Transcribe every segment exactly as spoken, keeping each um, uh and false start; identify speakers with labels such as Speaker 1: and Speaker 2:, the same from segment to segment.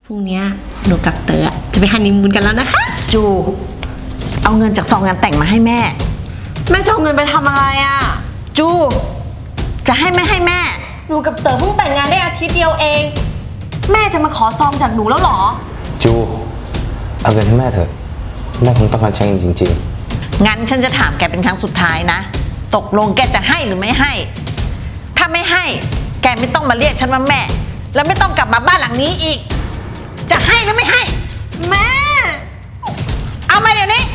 Speaker 1: รุ่งนี้หนูกับเต๋อจะไปฮันนีมูนกันแล้วนะคะ
Speaker 2: จูเอาเงินจากซองงานแต่งมาให้แม่
Speaker 1: แม่จะเอาเงินไปทำอะไรอ่ะ
Speaker 2: จูจะให้ไม่ให้แม่
Speaker 1: หนูกับเต๋อเพิ่งแต่งงานได้อาทิตย์เดียวเองแม่จะมาขอซองจากหนูแล้วหรอ
Speaker 3: จูเอาเงินให้แม่เถอะแม่คงต้องการใช้เงินจริง
Speaker 2: ๆงั้นฉันจะถามแกเป็นครั้งสุดท้ายนะตกลงแกจะให้หรือไม่ให้ถ้าไม่ให้แกไม่ต้องมาเรียกฉันว่าแม่แล้วไม่ต้องกลับมาบ้านหลังนี้อีกจะให้หรือไม่ให้
Speaker 1: แม่
Speaker 2: เอามาเดี๋ยวนี้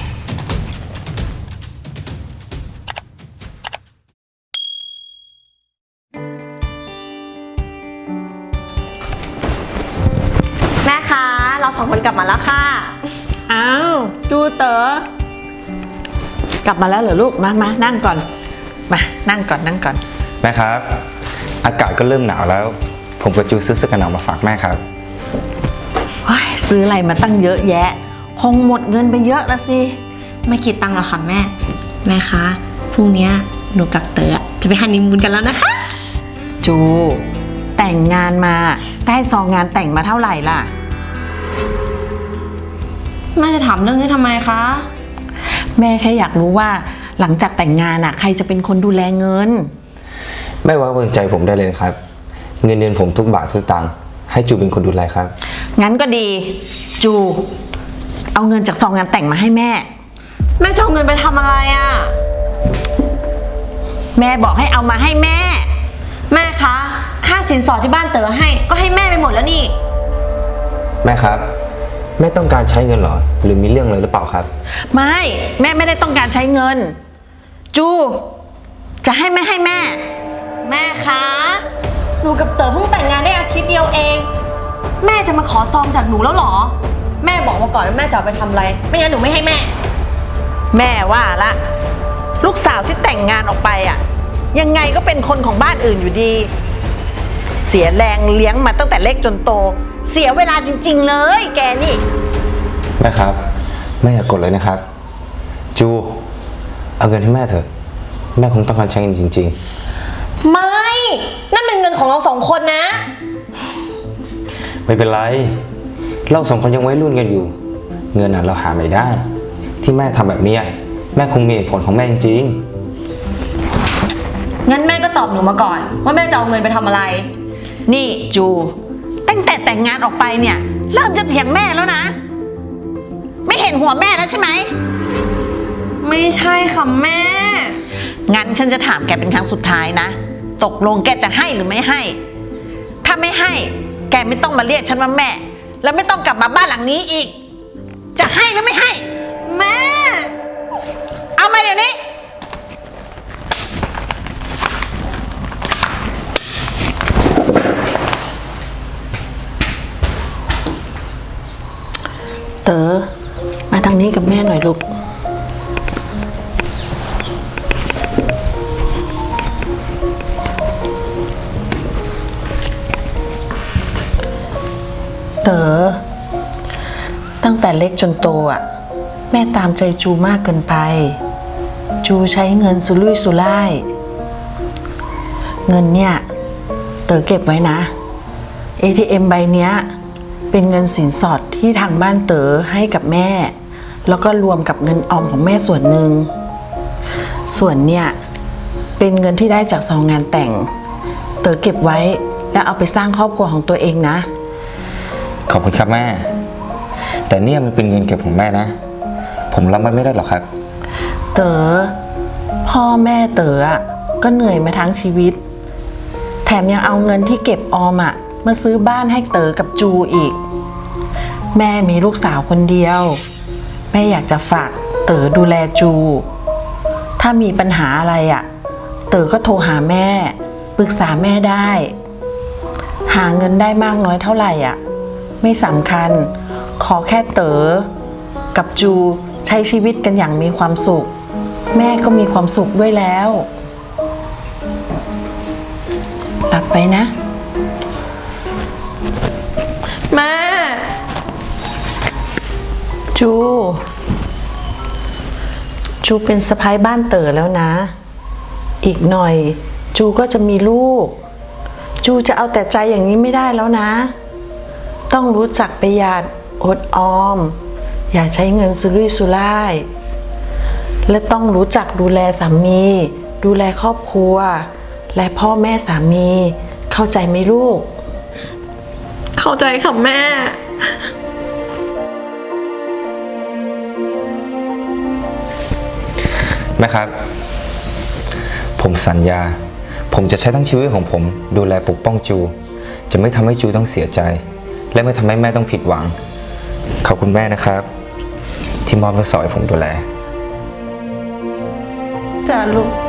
Speaker 1: แม่คะเราสองคนกลับมาแล้วค่ะ
Speaker 2: อ้าวจูเต๋อกลับมาแล้วเหรอลูกมามานั่งก่อนมานั่งก่อนนั่งก่อน
Speaker 3: แม่ครับอากาศก็เริ่มหนาวแล้วผมกับจูซื้อเสื้อกันหนาวมาฝากแม่ครับ
Speaker 2: ซื้ออะไรมาตั้งเยอะแยะคงหมดเงินไปเยอะละสิ
Speaker 1: ไม่คิดตังค์หรอกค่ะแม่แม่คะพรุ่งนี้หนูกับเต๋อจะไปฮันนีมูนกันแล้วนะคะ
Speaker 2: จูแต่งงานมาได้ซองงานแต่งมาเท่าไหร่ล่ะ
Speaker 1: แม่จะถามเรื่องนี้ทำไมคะ
Speaker 2: แม่แค่อยากรู้ว่าหลังจากแต่งงานอ่ะใครจะเป็นคนดูแลเงิน
Speaker 3: แม่ไว้วางใจผมได้เลยครับเงินเดือนผมทุกบาททุกสตางค์ให้จูเป็นคนดูแลครับ
Speaker 2: งั้นก็ดีจูเอาเงินจากซองงานแต่งมาให้แม่
Speaker 1: แม่จะเอาเงินไปทำอะไรอ่ะ
Speaker 2: แม่บอกให้เอามาให้แม่
Speaker 1: แม่คะค่าสินสอดที่บ้านเต๋อให้ก็ให้แม่ไปหมดแล้วนี่
Speaker 3: แม่ครับแม่ต้องการใช้เงินเหรอหรือมีเรื่องอะไรหรือเปล่าครับ
Speaker 2: ไม่แม่ไม่ได้ต้องการใช้เงินจูจะให้ไม่ให้แม่
Speaker 1: แม่คะหนูกับเต๋อเพิ่งแต่งงานได้อาทิตย์เดียวเองแม่จะมาขอซองจากหนูแล้วหรอแม่บอกมาก่อนว่าแม่จะเอาไปทำอะไรไม่งั้นหนูไม่ให้แม่
Speaker 2: แม่ว่าละลูกสาวที่แต่งงานออกไปอ่ะยังไงก็เป็นคนของบ้านอื่นอยู่ดีเสียแรงเลี้ยงมาตั้งแต่เล็กจนโตเสียเวลาจริงๆเลยแกนี่
Speaker 3: แม่ครับแม่อย่ากดเลยนะครับจูเอาเงินให้แม่เถอะแม่คงต้องการใช้เงินจริง
Speaker 1: ๆไม่นั่นเป็นเงินของเราสองคนนะ
Speaker 3: ไม่เป็นไรเราสองคนยังวัยรุ่นกันอยู่เงินน่ะเราหาไม่ได้ที่แม่ทำแบบนี้แม่คงมีเหตุผลของแม่จริง
Speaker 1: ๆงั้นแม่ก็ตอบหนูมาก่อนว่าแม่จะเอาเงินไปทำอะไร
Speaker 2: นี่จูตั้งแต่แต่งงานออกไปเนี่ยเริ่มจะเถียงแม่แล้วนะไม่เห็นหัวแม่แล้วใช่ไหม
Speaker 1: ไม่ใช่ค่ะแม่
Speaker 2: งั้นฉันจะถามแกเป็นครั้งสุดท้ายนะตกลงแกจะให้หรือไม่ให้ถ้าไม่ให้แกไม่ต้องมาเรียกฉันว่าแม่แล้วไม่ต้องกลับมาบ้านหลังนี้อีกจะให้หรือไม่ให้
Speaker 1: แม่
Speaker 2: เอามาเดี๋ยวนี้เต๋อมาทางนี้กับแม่หน่อยลูกเต๋อตั้งแต่เล็กจนโตอ่ะแม่ตามใจจูมากเกินไปจูใช้เงินสุรุ่ยสุร่ายเงินเนี่ยเต๋อเก็บไว้นะ เอ ที เอ็ม ใบเนี้ยเป็นเงินสินสอดที่ทางบ้านเต๋อให้กับแม่แล้วก็รวมกับเงินออมของแม่ส่วนหนึ่งส่วนเนี่ยเป็นเงินที่ได้จากซองงานแต่งเต๋อเก็บไว้แล้วเอาไปสร้างครอบครัวของตัวเองนะ
Speaker 3: ขอบคุณครับแม่แต่เนี่ยมันเป็นเงินเก็บของแม่นะผมรับมันไม่ได้หรอกครับ
Speaker 2: เต๋อพ่อแม่เต๋อก็เหนื่อยมาทั้งชีวิตแถมยังเอาเงินที่เก็บออมอะมาซื้อบ้านให้เต๋อกับจูอีกแม่มีลูกสาวคนเดียวแม่อยากจะฝากเต๋อดูแลจูถ้ามีปัญหาอะไรอะเต๋อก็โทรหาแม่ปรึกษาแม่ได้หาเงินได้มากน้อยเท่าไหร่อ่ะไม่สำคัญขอแค่เต๋อกับจูใช้ชีวิตกันอย่างมีความสุขแม่ก็มีความสุขด้วยแล้วรับไปนะ
Speaker 1: แม่
Speaker 2: จูจูเป็นสะใภ้บ้านเต๋อแล้วนะอีกหน่อยจูก็จะมีลูกจูจะเอาแต่ใจอย่างนี้ไม่ได้แล้วนะต้องรู้จักประหยัดอดออม อย่าใช้เงินสุรุ่ยสุร่าย และต้องรู้จักดูแลสามี ดูแลครอบครัว และพ่อแม่สามี เข้าใจไหมลูก
Speaker 1: เข้าใจค่ะแม่
Speaker 3: แม่ครับ ผมสัญญา ผมจะใช้ทั้งชีวิตของผมดูแลปกป้องจู จะไม่ทำให้จูต้องเสียใจ และไม่ทำให้แม่ต้องผิดหวัง ขอบคุณแม่นะครับ ที่มอบลูกสาวให้ผมดูแล
Speaker 2: จ้าลูก